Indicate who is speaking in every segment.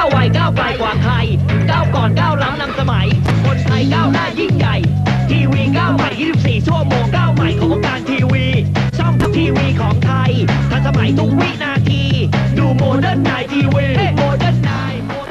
Speaker 1: ไวก้าวไกลกว่าใครก้าวก่อนก้าวล้ำนำสมัยคนไทยก้าวหน้ายิ่งใหญ่ทีวีก้าวใหม่24ชั่วโมงก้าวใหม่ของการทีวีช่องทีวีของไทยทันสมัยทุกวินาทีดูโมเดิร์นไนทีวีโมเดิร์นไน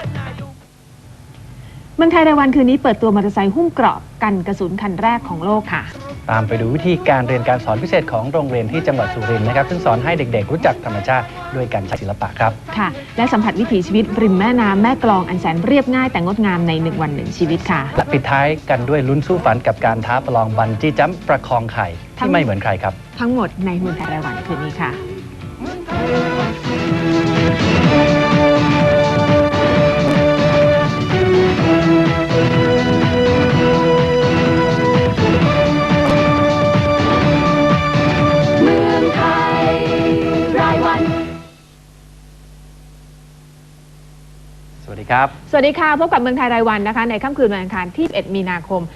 Speaker 2: เมืองไทยรายวันคืนนี้เปิดตัวมอเตอร์ไซค์หุ้มเกราะกันกระสุนคันแรกของโลกค่ะ
Speaker 3: ตามไปดูวิธีการเรียนการสอนพิเศษของโรงเรียนที่จังหวัดสุรินทร์นะครับซึ่งสอนให้เด็กๆรู้จักธรรมชาติด้วยการใช้ศิลปะครับ
Speaker 2: ค่ะและสัมผัสวิถีชีวิตริมแม่น้ำแม่กลองอันแสนเรียบง่ายแต่งดงามใน1 วัน 1 ชีวิตค่ะ
Speaker 3: และปิดท้ายกันด้วยลุ้นสู้ฝันกับการท้าประลองบันจี้จัมป์ประคองไข่ที่ไม่เหมือนใครครับ
Speaker 2: ทั้งหมดในเมืองไทยรายวันคืนนี้ค่ะ
Speaker 3: สวัสดีครับ
Speaker 2: สวัสดีค่ะพบกับเมืองไทยรายวันนะคะในค่ำคืนวันอังคารที่11 มีนาคม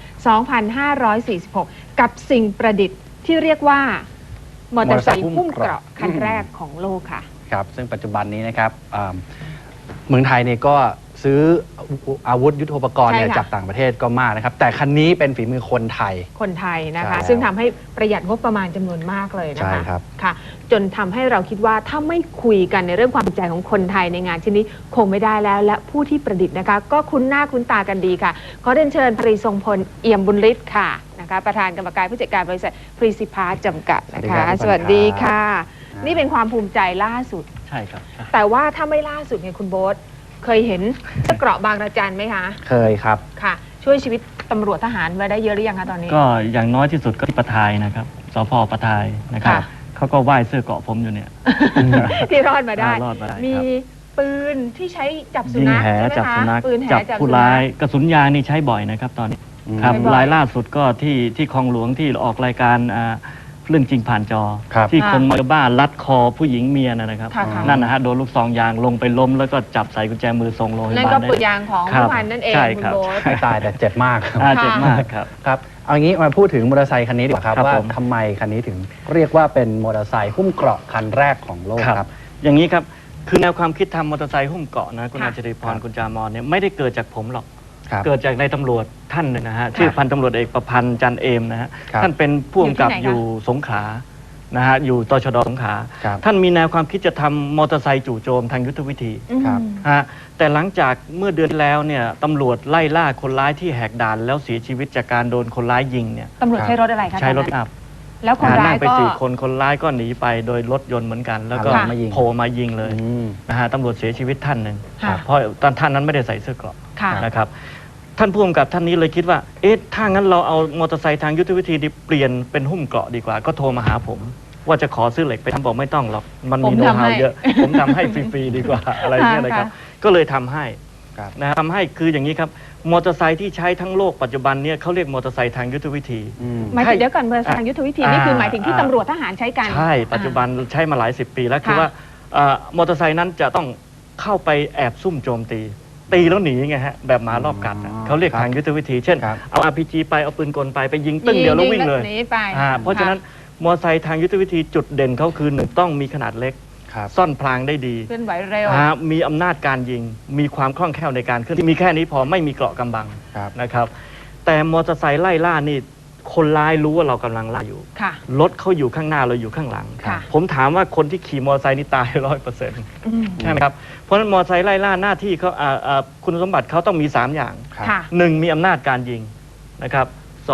Speaker 2: 2546 กับสิ่งประดิษฐ์ที่เรียกว่ามอเตอร์ไซค์หุ้มเกราะคันแรกของโลกค่ะ
Speaker 3: ครับซึ่งปัจจุบันนี้นะครับเมืองไทยเนี่ยก็ซื้ออาวุธยุทโธปกรณ์จากต่างประเทศก็มากนะครับแต่คันนี้เป็นฝีมือคนไทย
Speaker 2: นะคะซึ่งทำให้ประหยัดงบประมาณจำนวนมากเลยนะคะค่ะจนทำให้เราคิดว่าถ้าไม่คุยกันในเรื่องความภูมิใจของคนไทยในงานชิ้นนี้คงไม่ได้แล้วและผู้ที่ประดิษฐ์นะคะก็คุ้นหน้าคุ้นตากันดีค่ะขอเรียนเชิญพรีทรงพลเอี่ยมบุญฤทธิ์ค่ะนะคะประธานกรรมการผู้จัดการบริษัทพรีซิพาร์จำกัดนะคะสวัสดีค่ะนี่เป็นความภูมิใจล่าสุด
Speaker 3: ใช่ครับ
Speaker 2: แต่ว่าถ้าไม่ล่าสุดเนี่ยคุณโบ๊ทเคยเห็นเกราะบางระจันไหมคะ
Speaker 3: เคยครับ
Speaker 2: ค่ะช่วยชีวิตตำรวจทหารมาได้เยอะหรือยังคะตอนนี้
Speaker 4: ก็อย่างน้อยที่สุดก็ที่ปะทายนะครับสพปะทายนะครับเขาก็ไหว้เสื้อเกราะผมอยู่เนี่ย
Speaker 2: ที่รอดมาได้มีปืนที่ใช้จับสุนัขใช่ไหมคะปืนแห
Speaker 4: จับผู้ร้ายกระสุนยางนี่ใช้บ่อยนะครับตอนนี้ครับรายล่าสุดก็ที่คลองหลวงที่ออกรายการเรื่องจริงผ่านจอที่คนมาบ้าลัดคอผู้หญิงเมียนะครับนั่นนะฮะโดนลูกซองยางลงไปล้มแล้วก็จับใส่กุญแจมือส่งโรงพยาบาล
Speaker 2: นั่นก็ปืนยางของผู้พันนั่นเองคุณโบ๊ท
Speaker 3: ไม่ตายแต่เจ็บมาก
Speaker 4: เจ็บมากครับ
Speaker 3: ครับเอางี้มาพูดถึงมอเตอร์ไซค์คันนี้ดีกว่าครับว่าทำไมคันนี้ถึงเรียกว่าเป็นมอเตอร์ไซค์หุ้มเกราะคันแรกของโลกครับ
Speaker 4: อย่างนี้ครับคือแนวความคิดทำมอเตอร์ไซค์หุ้มเกราะนะคุณอาจริพรคุณจามอนเนี่ยไม่ได้เกิดจากผมหรอกเกิดจากนายตำรวจท่านหนึ่งนะฮะชื่อพันตำรวจเอกประพันธ์จันเอมนะฮะท่านเป็นผู้กำกับอยู่สงขลานะฮะอยู่ตชด.สงขลาท่านมีแนวความคิดจะทำมอเตอร์ไซค์จู่โจมทางยุทธวิธีแต่หลังจากเมื่อเดือนที่แล้วเนี่ยตำรวจไล่ล่าคนร้ายที่แหกด่านแล้วเสียชีวิตจากการโดนคนร้ายยิงเนี่ย
Speaker 2: ตำรวจใช้รถอะไรคะ
Speaker 4: ใช้รถอัพ
Speaker 2: แล้วคนร้าย
Speaker 4: ไป4 คนคนร้ายก็หนีไปโดยรถยนต์เหมือนกันแล้วก็โผล่มายิงเลยนะฮะตำรวจเสียชีวิตท่านหนึ่งเพราะท่านนั้นไม่ได้ใส่เสื้อเกราะนะครับท่านผู้กำกับท่านนี้เลยคิดว่าเอ๊ะถ้างั้นเราเอามอเตอร์ไซค์ทางยุทธวิธีเปลี่ยนเป็นหุ้มเกราะดีกว่าก็โทรมาหาผมว่าจะขอซื้อเหล็กไปทำบอกไม่ต้องหรอกมันมีโน้ตฮาวเยอะผมทำให้ฟรีๆดีกว่าอะไรเงี้ยเลยครับก็เลยทำให้นะทำให้คืออย่างนี้ครับมอเตอร์ไซค์ที่ใช้ทั้งโลกปัจจุบันเนี่ยเขาเรียกมอเตอร์ไซค์ทางยุทธวิธี
Speaker 2: หมายถึงเดี๋ยวก่อนมอเตอร์ไซค์ทางยุทธวิธีนี่คือหมายถึงที่ตำรวจทหารใช้กัน
Speaker 4: ใช่ปัจจุบันใช้มาหลาย10 ปีแล้วคือว่ามอเตอร์ไซค์นั้นจะต้องเข้าไปแอบซุ่มโจมตีแล้วหนีไงฮะแบบหมารอบกัดเขาเรียกทางยุทธวิธีเช่นเอา RPG ไปเอาปืนกลไปยิงตึ้งเดียวแล้ววิ่งเลยเพราะฉะนั้นมอเตอร์ไซค์ทางยุทธวิธีจุดเด่นเขาคือ1ต้องมีขนาดเล็กซ่อนพลางได้ดี
Speaker 2: เคลื่อนไหวเร็ว
Speaker 4: มีอำนาจการยิงมีความคล่องแคล่วในการเคลื่อนที่มีแค่นี้พอไม่มีเกราะกำบังนะครับแต่มอเตอร์ไซค์ไล่ล่านี่คนร้ายรู้ว่าเรากำลังล่าอยู่รถเขาอยู่ข้างหน้าเราอยู่ข้างหลังผมถามว่าคนที่ขี่มอเตอร์ไซค์นี่ตาย100%ใช่ไหมครับเพราะฉะนั้นมอเตอร์ไซค์ไล่ล่าหน้าที่เขาคุณสมบัติเขาต้องมี3อย่าง1มีอำนาจการยิงนะครับ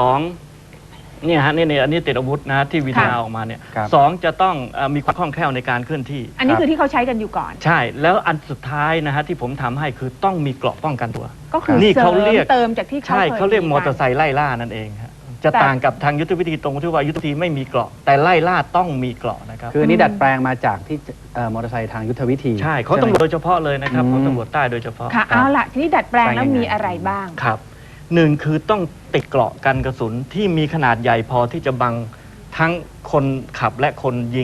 Speaker 4: 2เนี่ยฮะนี่อันนี้ติดอาวุธนะที่วิดีโอออกมาเนี่ย2จะต้องมีความคล่องแคล่วในการเคลื่อนที่
Speaker 2: อันนี้คือที่เขาใช้กันอยู่ก่อน
Speaker 4: ใช่แล้วอันสุดท้ายนะฮะที่ผมทำให้คือต้องมีเกราะป้องกันตัว
Speaker 2: ก็คือนี่เขาเรียกเติมจากที่
Speaker 4: ใช่เขาเรียกมอเตอร์ไซค์ไล่ล่านั่นเองครับจะต่างกับทางยุทธวิธีตรงที่ว่ายุทธวิธีไม่มีเกราะแต่ไล่ล่าต้องมีเกราะนะครับ
Speaker 3: คืออันนี้ดัดแปลงมาจากที่มอเตอร์ไซค์ทางยุทธวิธี
Speaker 4: ใช่เขาตำรวจโดยเฉพาะเลยนะครับเขาตำรวจใต้โดยเฉพาะ
Speaker 2: ค่ะเอาล่ะทีนี้ดัดแปลงแล้วมีอะไรบ้าง
Speaker 4: ครับ1คือต้องติดเกราะกันกระสุนที่มีขนาดใหญ่พอที่จะบังทั้งคนขับและคนยิง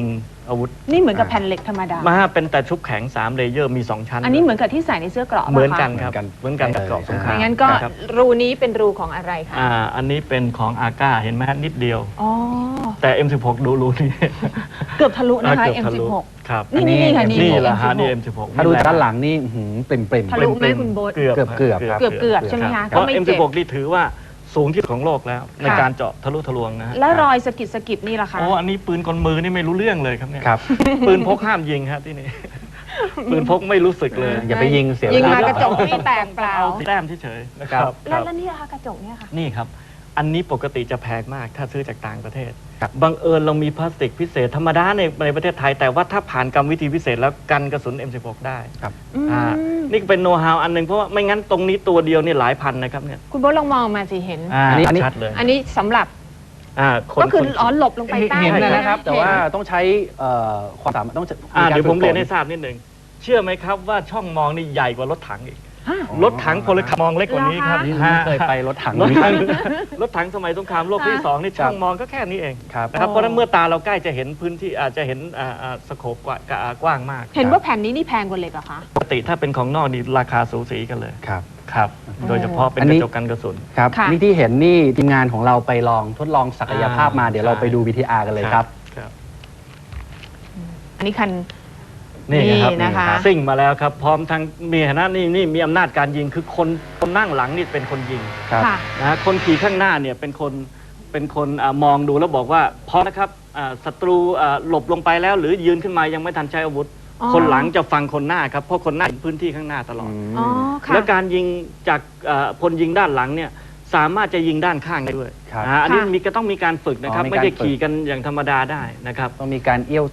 Speaker 4: อาวุธ
Speaker 2: นี่เหมือนกับแผ่นเหล็กธรรมดา
Speaker 4: มาเป็นแต่ชุบแข็ง3 เลเยอร์มี 2 ชั้น
Speaker 2: อันนี้เหมือนกับที่ใส่ในเสื้อเกราะ
Speaker 4: เหมือนกัน
Speaker 2: ปะ
Speaker 4: ครับ
Speaker 3: เหมือนกัน
Speaker 4: กับเกราะสงคราม
Speaker 2: ไม่งั้นก็
Speaker 4: ครับ
Speaker 2: รูนี้เป็นรูของอะไรคะ
Speaker 4: อันนี้เป็นของอาก้าเห็นไหมฮะนิดเดียว
Speaker 2: อ๋อ
Speaker 4: แต่ M16 ดูรูนี่
Speaker 2: เกือบทะลุนะคะ
Speaker 4: เกือบทะลุ
Speaker 2: M16
Speaker 4: ครับ
Speaker 2: นี่ค่ะ
Speaker 4: นี่แหละฮะ
Speaker 2: M16
Speaker 4: นี่ M16
Speaker 3: ถ้าดูจากด้านหลังนี่อื้อหือปริ่ม
Speaker 2: ทะลุไหมคุณโบ๊ท
Speaker 4: เกือบ
Speaker 3: เกือบครับ
Speaker 2: เกือบใช่ไหมคะ
Speaker 4: เพ
Speaker 2: ก็
Speaker 4: ราะ
Speaker 2: ไม่เจ็บ
Speaker 4: M16 นี่ถือว่าสูงที่สุดของโลกแล้ว ใน
Speaker 2: ค่ะ
Speaker 4: การเจาะทะลุทะลวงนะฮะ
Speaker 2: แล้วรอยสะกิดนี่ล่ะคะ
Speaker 4: โอ้อันนี้ปืนกลมือนี่ไม่รู้เรื่องเลยครับเนี่ย
Speaker 3: ครับ
Speaker 4: ปืนพกห้ามยิงครับที่นี่ ปืนพกไม่รู้สึกเลย
Speaker 3: อย่าไปยิงเสียเว
Speaker 2: ยิง
Speaker 3: ลา
Speaker 2: มากระจกไม่แตกเปล่า
Speaker 4: เอาแต้มเฉยๆนะครับ
Speaker 2: แล้วนี่ล่ะคะกระจกเนี่ยค่ะ
Speaker 4: นี่ครับ อันนี้ปกติจะแพงมากถ้าซื้อจากต่างประเทศ
Speaker 3: ครับ
Speaker 4: บังเอิญเรามีพลาสติกพิเศษธรรมดาในประเทศไทย แต่ว่าถ้าผ่านกรรมวิธีพิเศษแล้วกันกระสุน M16 ได้
Speaker 3: ครับ
Speaker 4: อ่านี่เป็นโน้ตฮาวอันหนึ่งเพราะว่าไม่งั้นตรงนี้ตัวเดียวนี่หลายพันนะครับเนี่ย
Speaker 2: คุณโบ๊ทลองมองมาสิเห็น
Speaker 3: อันนี้
Speaker 4: ชัดเลย
Speaker 2: อันนี้สำหรับ
Speaker 4: คน
Speaker 2: ก็คือ
Speaker 4: คน
Speaker 2: อ๋อหลบลงไปใต้
Speaker 3: เห็น
Speaker 2: เลย
Speaker 3: นะครับ แต่ว่า
Speaker 2: เห็น
Speaker 3: ต้องใช้ความสามารถต้อง
Speaker 4: เดี๋ยวผมเรียนให้ทราบนิดหนึ่งเชื่อไหมครับว่าช่องมองนี่ใหญ่กว่ารถถังอีก
Speaker 2: ฮะ
Speaker 4: รถถังพลขับมองเล็กกว่านี้ครับ
Speaker 3: นี่ไม่เคยไปรถถัง
Speaker 4: รถถังรถถังสมัยสงครามโลกที่สองนี่ช่องมองก็แค่นี้เอง
Speaker 3: ครับ
Speaker 4: นะครับเพราะฉะนั้นเมื่อตาเราใกล้จะเห็นพื้นที่อาจจะเห็นสโคปกว้างมาก
Speaker 2: เห็นว่าแผ่นนี้นี่แพงกว่าเหล็กเหรอคะ
Speaker 4: ปกติถ้าเป็นของนอกนี่ราคาสูสีกันเลย
Speaker 3: ครับ
Speaker 4: ครับ โดยเฉพาะเป็น
Speaker 3: อัน
Speaker 4: ก
Speaker 3: นี้
Speaker 4: ระจกกันกระสุน
Speaker 3: ครับ
Speaker 2: ค่ะ
Speaker 3: นี่ที่เห็นนี่ทีมงานของเราไปลองทดลองศักยภาพมาเดี๋ยวเราไปดู VTR กันเลยครับ
Speaker 4: ครับ
Speaker 2: อันนี้คัน
Speaker 4: นี่ครับ
Speaker 2: นะคะ
Speaker 4: ซิ่งมาแล้วครับ พร้อมทั้งมีฐานะนี่มีอำนาจการยิงคือคนนั่งหลังนี่เป็นคนยิง
Speaker 3: ครับ
Speaker 2: ค่ะ
Speaker 4: นะคนขี่ข้างหน้าเนี่ยเป็นคนมองดูแล้วบอกว่าพร้อมนะครับศัตรูหลบลงไปแล้ว หรือยืนขึ้นมายังไม่ทันใช้อาวุธ
Speaker 2: อ๋อ
Speaker 4: คนหลังจะฟังคนหน้าครับเพราะคนหน้าเห็นพื้นที่ข้างหน้าตลอด
Speaker 2: อ๋อค่ะ
Speaker 4: แล้วการยิงจากพลยิงด้านหลังเนี่ยสามารถจะยิงด้านข้างได้ด้วย
Speaker 3: ครับ
Speaker 4: อันนี้
Speaker 2: ค่ะ
Speaker 4: ก็ต้องมีการฝึกนะครับ
Speaker 3: อ๋อมี
Speaker 4: ไม่
Speaker 3: การ
Speaker 4: ได้
Speaker 3: ฝึก
Speaker 4: ขี่กันอย่างธรรมดาได้นะครับ
Speaker 3: ต้องมีการเอี้ยว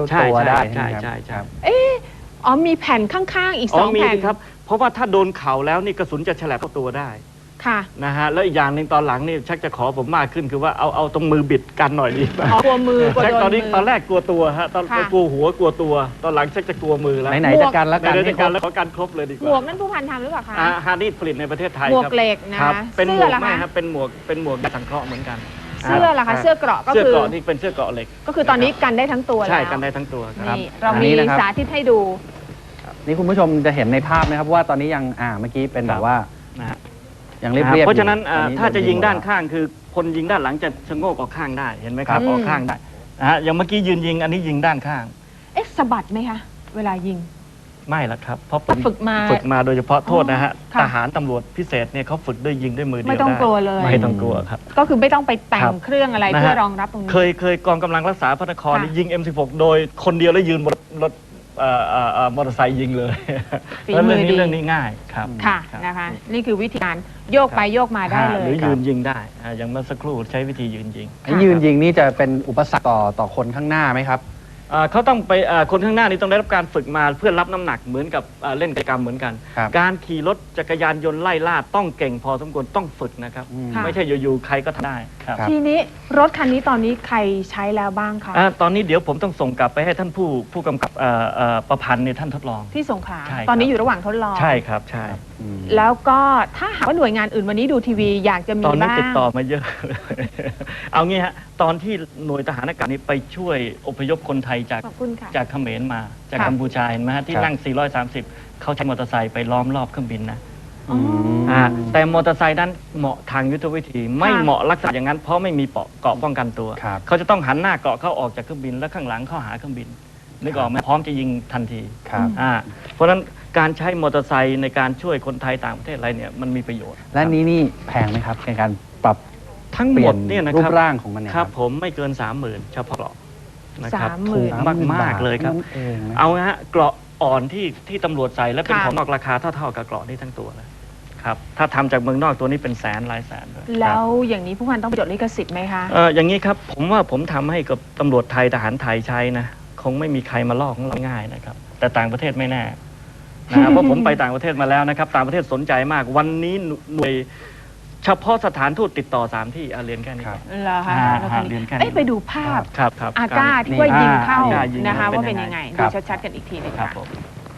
Speaker 4: ใช่
Speaker 3: ตัว
Speaker 4: ใช่
Speaker 3: ได้
Speaker 4: ใช่
Speaker 3: ไหม
Speaker 4: ใช่
Speaker 3: ค
Speaker 4: ใช่
Speaker 3: รับ
Speaker 2: อ๋อมีแผ่นข้างๆอีก
Speaker 4: อ๋
Speaker 2: ส
Speaker 4: อ
Speaker 2: อง
Speaker 4: มี
Speaker 2: แผ่น
Speaker 4: สิครับเพราะว่าถ้าโดนเข่าแล้วนี่กระสุนจะฉลับเข้าตัวได้
Speaker 2: ค่ะ
Speaker 4: นะฮะแล้วอีกอย่างหนึ่งตอนหลังนี่ชักจะขอผมมากขึ้นคือว่าเอาตรงมือบิดกันหน่อยดีป่ะ
Speaker 2: อ๋อกลัวมือกลัว
Speaker 4: ชัก
Speaker 2: โดน
Speaker 4: ตอนนี้
Speaker 2: มือ
Speaker 4: ตอนแรกกลัวตัวฮะตอน
Speaker 2: ค่ะ
Speaker 4: กลัวหัวกลัวตัว ตอนหลังชักจะกลัวมือแล้ว
Speaker 3: ไหนๆจะกันแล้วกัน
Speaker 4: ใน
Speaker 3: ให้
Speaker 4: การ
Speaker 3: คร
Speaker 4: แล้ว
Speaker 3: บ
Speaker 4: ขอการครบเลยดีก
Speaker 2: หมว
Speaker 4: ว่าก
Speaker 2: นั่นผู้พันทำหรือเปล่าคะ
Speaker 4: ฮาร์ดผลิตในประเทศไทย
Speaker 2: หมวก
Speaker 4: ครับ
Speaker 2: เหล็กนะครับ
Speaker 4: เป็นหม
Speaker 2: เสื้
Speaker 4: ว
Speaker 2: อก ล่ะ
Speaker 4: ไม่
Speaker 2: คะ
Speaker 4: ครับเป็นหมวกยาสังเคราะห์เหมือนกัน
Speaker 2: เสื้อล่ะคะเสื้อเกราะก็
Speaker 4: เสื้อ
Speaker 2: คือ
Speaker 4: เกราะนี่เป็นเสื้อเกราะเหล็ก
Speaker 2: ก็คือตอนนี้กันได้ทั้งตัวแล้ว
Speaker 4: ใช่กันได้ทั้งตัวครับ
Speaker 2: นี่เรา
Speaker 3: อัน
Speaker 2: มี
Speaker 3: นี้นะครับ
Speaker 2: สาธิตให้ดู
Speaker 3: นี่คุณผู้ชมจะเห็นในภาพนะครับว่าตอนนี้ยังเมื่อกี้เป็นแบบว่า
Speaker 4: นะฮะ
Speaker 3: ยังเรียบๆ
Speaker 4: เพราะฉะนั้น
Speaker 3: อยู่ตอนนี้
Speaker 4: ถ้าจะยิงด้าน
Speaker 3: หมดแล้ว
Speaker 4: ข้างคือคนยิงด้านหลังจะชะโงกออกข้างได้เห็นไหมครับ
Speaker 2: ครับ
Speaker 4: ออกข้างได้นะฮะอย่างเมื่อกี้ยืนยิงอันนี้ยิงด้านข้าง
Speaker 2: เอ๊ะสะบัดไหมคะ เวลายิง
Speaker 4: ไม่ละครับเพราะ
Speaker 2: ฝึกมา
Speaker 4: ฝึกมาโดยเฉพาะโทษนะฮะ
Speaker 2: ค่ะ
Speaker 4: ทหารตำรวจพิเศษเนี่ยเขาฝึกด้วยยิงด้วยมือเดียว
Speaker 2: ไม่ต้อง
Speaker 4: ด้
Speaker 2: กลัวเลย
Speaker 4: ไม่ต้องกลัวครับ
Speaker 2: ก็คือไม่ต้องไปแต่
Speaker 4: ครั
Speaker 2: ง
Speaker 4: บ
Speaker 2: เครื่องอะไร
Speaker 4: นะฮะ
Speaker 2: เพื่อรองรับตรงนี้
Speaker 4: เคยกองกำลังรักษาพระนคร
Speaker 2: ค่ะ
Speaker 4: นี่ยิง M16 โดยคนเดียวแล้วยืนบนรถมอเตอร์ไซค์ยิงเลย
Speaker 2: ฝี
Speaker 4: แล้ว
Speaker 2: มื
Speaker 4: เรื่อง
Speaker 2: อ
Speaker 4: นี้
Speaker 2: ดี
Speaker 4: เรื่องนี้ง่ายครับ
Speaker 2: ค่ะ
Speaker 4: รับ
Speaker 2: นะคะ นี่คือวิธีการโยกไปโยกมาได้เล
Speaker 4: ห
Speaker 2: ย
Speaker 4: รือยืนยิงได้อย่างเมื่อสักครู่ใช้วิธียืนยิง
Speaker 3: ไอ้ยืนยิงนี่จะเป็นอุปสรรคต่อคนข้างหน้าไหมครับ
Speaker 4: เขาต้องไปคนข้างหน้านี่ต้องได้รับการฝึกมาเพื่อรับน้ำหนักเหมือนกับเล่นกิจกรรมเหมือนกัน
Speaker 3: ครับ
Speaker 4: การขี่รถจักรยานยนต์ไล่ล่าต้องเก่งพอสมควรต้องฝึกนะครับ
Speaker 2: ค่ะ
Speaker 4: ไม่ใช่อยู่ๆใครก็ทำได้ครับ
Speaker 3: ครับ
Speaker 2: ทีนี้รถคันนี้ตอนนี้ใครใช้แล้วบ้างคะ
Speaker 4: ตอนนี้เดี๋ยวผมต้องส่งกลับไปให้ท่านผู้กำกับประพันธ์เนี่ยท่านทดลอง
Speaker 2: ที่สงขลา
Speaker 4: ใช่ครับ
Speaker 2: ตอนนี้อยู่ระหว่างทดลอง
Speaker 4: ใช่ครับใช่
Speaker 3: อืม
Speaker 2: แล้วก็ถ้าหากว่าหน่วยงานอื่นวันนี้ดูทีวีอยากจะมี
Speaker 4: ตอนนี้
Speaker 2: บ้าง
Speaker 4: ติดต่อมาเยอะ เอางี้ฮะตอนที่หน่วยทหารอากาศนี้ไปช่วยอพยพคนไทยจาก
Speaker 2: ขอบคุณค่ะ
Speaker 4: จากเขมรมาจาก
Speaker 2: ค่ะ
Speaker 4: กัมพูชาเห็นไหมฮะที่
Speaker 3: ครับ
Speaker 4: นั่ง 430 เขาใช้มอเตอร์ไซค์ไปล้อมรอบเครื่องบินนะ
Speaker 2: อ๋ออ
Speaker 4: แต่มอเตอร์ไซค์นั้นเหมาะทางยุทธวิธี ไม่เหมาะลักษณะอย่างนั้นเพราะไม่มีเกราะป้องกันตัว
Speaker 3: ครับ
Speaker 4: เขาจะต้องหันหน้าเกราะเข้าออกจากเครื่องบินแล้วข้างหลังเข้าหาเครื่องบินนึกออกไหมพร้อมจะยิงทันที
Speaker 3: ครับ
Speaker 4: เพราะฉะนั้นการใช้มอเตอร์ไซค์ในการช่วยคนไทยต่างประเทศอะไรเนี่ยมันมีประโยชน์
Speaker 3: และนี่แพงไหมครับในการปรับ
Speaker 4: ทั้ง
Speaker 3: เป
Speaker 4: หม
Speaker 3: ลี่ย
Speaker 4: ด
Speaker 3: น
Speaker 4: เนี่ยนะ
Speaker 3: รู
Speaker 4: ครั
Speaker 3: ป
Speaker 4: บ
Speaker 3: ร่างของมันเนี่ย
Speaker 4: ครับผมไม่เกิน 30,000เฉพาะเกราะนะครับ
Speaker 2: 30,000
Speaker 4: ถูกมากๆเลยครับ
Speaker 3: นั่นเองนะ
Speaker 4: เอาฮะเกราะอ่อนที่ตำรวจใส่และเป็น
Speaker 2: ค่ะ
Speaker 4: ของนอกราคาเท่าๆกับเกราะนี่ทั้งตัวเลยครับถ้าทำจากเมืองนอกตัวนี้เป็นแสนหลายแสนเลย
Speaker 2: แล้วอย่างนี้ผู้พันต้องไปจดลิขสิทธิ์ไหมคะ
Speaker 4: อย่างนี้ครับผมว่าผมทำให้กับตำรวจไทยทหารไทยใช้นะคงไม่มีใครมาลอกของเราง่ายนะครับแต่ต่างประเทศไม่แน่นะครับ เพราะผมไปต่างประเทศมาแล้วนะครับต่างประเทศสนใจมากวันนี้หน่วยเฉพาะสถานทูตติดต่อ3ที่เรียนแค่นี้
Speaker 3: ครับ
Speaker 2: เหรอคะ
Speaker 4: ฮะ
Speaker 2: แล้วคน
Speaker 4: เรียนแค่
Speaker 2: นี้
Speaker 4: นี้
Speaker 2: ไปดูภาพ
Speaker 4: ครับ
Speaker 2: อาก้าที่
Speaker 3: นี่
Speaker 2: ว่ายิงเข้า
Speaker 4: อาก้ายิง
Speaker 2: นะคะ
Speaker 4: เป็น
Speaker 2: ว่าเป็น
Speaker 4: ยั
Speaker 2: ยัง ง
Speaker 4: ไง
Speaker 2: ไง
Speaker 3: ครั
Speaker 2: ดู
Speaker 3: บ
Speaker 2: ชัดๆกันอีกทีหนึง
Speaker 4: ครับ
Speaker 2: ค่ะ
Speaker 4: ผม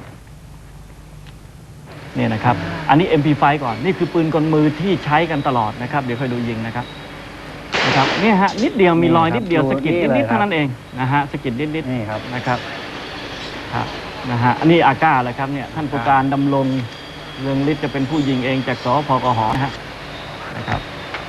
Speaker 4: เนี่ยนะครับ อันนี้ MP5 ก่อน นี่คือปืนกลมือที่ใช้กันตลอดนะครับ เดี๋ยวค่อยดูยิงนะครับนะครับเนี่ยฮะนิดเดียวมีรอยนิดเดียว
Speaker 3: นี่ครับ
Speaker 4: สะกิด
Speaker 3: นี่เลย
Speaker 4: นิดๆ
Speaker 3: ครับ
Speaker 4: เท่านั้นเองนะฮะสะกิดนิด
Speaker 3: นี่ครับ
Speaker 4: ๆนะครับครับนะฮะอันนี้อาก้าเลยครับเนี่ยท่านผู้การดำรงเรืองฤทธิ์จะเป็นผู้ยิงเองจากสพกหนะครับ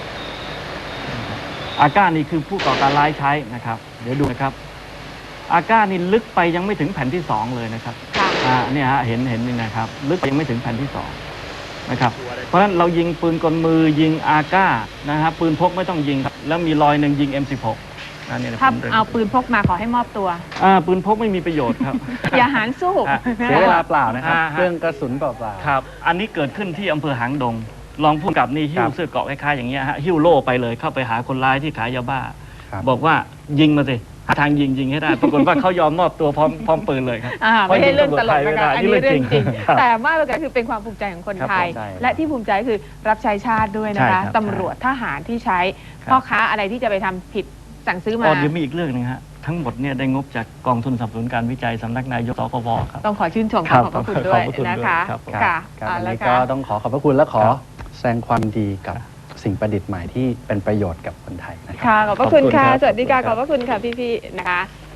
Speaker 4: อาก้านี่คือผู้ก่อการร้ายใช้นะครับเดี๋ยวดูนะครับอาก้านี่ลึกไปยังไม่ถึงแผ่นที่2เลยนะครับ
Speaker 2: ค่ะ
Speaker 4: เนี่ยฮะเห็นนี่นะครับลึกไปยังไม่ถึงแผ่นที่2นะครับเพราะฉะนั้นเรายิงปืนกลมือยิงอาก้านะฮะปืนพกไม่ต้องยิงครับแล้วมีรอยหนึ่งยิง M16 นะเนี่ยนะ
Speaker 2: ถ้า
Speaker 4: ผม
Speaker 2: เอาปืนพกมาขอให้มอบตัว
Speaker 4: ปืนพกไม่มีประโยชน์ครับ
Speaker 2: อย่าหารสู้
Speaker 4: อ่ะ
Speaker 3: เสียเวลาเปล่านะครับ
Speaker 4: อ่าฮะ
Speaker 3: เครื่องกระสุนเปล่า
Speaker 4: ครับอันนี้เกิดขึ้นที่อำเภอหางดงรองผู้กำกับนี่หิ้
Speaker 3: คว รับ
Speaker 4: เสื้อเกราะคล้ายๆอย่างเงี้ยฮะหิ้วโล่ไปเลยเข้าไปหาคนร้ายที่ขายยาบ้า
Speaker 3: ครับ
Speaker 4: บอกว่ายิงมาสิหาทางยิงให้ได้ปรากฏว่าเขายอมมอบตัวพร้อมปืนเลยครับ
Speaker 2: ไม่ใช่เรื่องตลกนะคะ อันนี้เรื่องจริง
Speaker 4: ครับ
Speaker 2: แต่มากกว่านั้นคือเป็นความภูมิใจของคนไทย
Speaker 3: ครับผม
Speaker 2: และที่ภูมิใจคือรับใช้ชาติด้วยนะ
Speaker 4: ใช่
Speaker 2: คะ
Speaker 4: ครับ
Speaker 2: ตำรวจทหารที่ใช้
Speaker 4: ครับ
Speaker 2: พ่อค้าอะไรที่จะไปทำผิดสั่งซื้อมา
Speaker 4: เดี๋ยวมีอีกเรื่องหนึงฮะทั้งหมดเนี่ยได้งบจากกองทุนสนับสนุนการวิจัยสำนักนายกสคบครับ
Speaker 2: ต้องขอชื่นชม
Speaker 4: ครับ
Speaker 2: ขอบพระคุณด้วย
Speaker 4: ขอบพระคุณ
Speaker 2: นะคะ
Speaker 4: ด้วยครับ
Speaker 3: ๆ
Speaker 2: ค่ะ
Speaker 3: ครับ
Speaker 2: เอา
Speaker 3: วัน
Speaker 2: ละ
Speaker 3: นี้
Speaker 2: ค่ะ
Speaker 3: ก็ต้องขอบพระคุณและขอ
Speaker 4: ครับ
Speaker 3: แสดงความดีกับสิ่งประดิษฐ์ใหม่ที่เป็นประโยชน์กับคนไทยนะครับ
Speaker 2: ค่ะ ขอบพระคุณค่ะ
Speaker 4: ขอบคุณครับ
Speaker 2: สวัสดีค่ะ
Speaker 4: ข
Speaker 2: ข
Speaker 4: อ
Speaker 2: อ
Speaker 4: บบ คุณครับ
Speaker 2: พระคุณค่ะพี่ๆนะคะ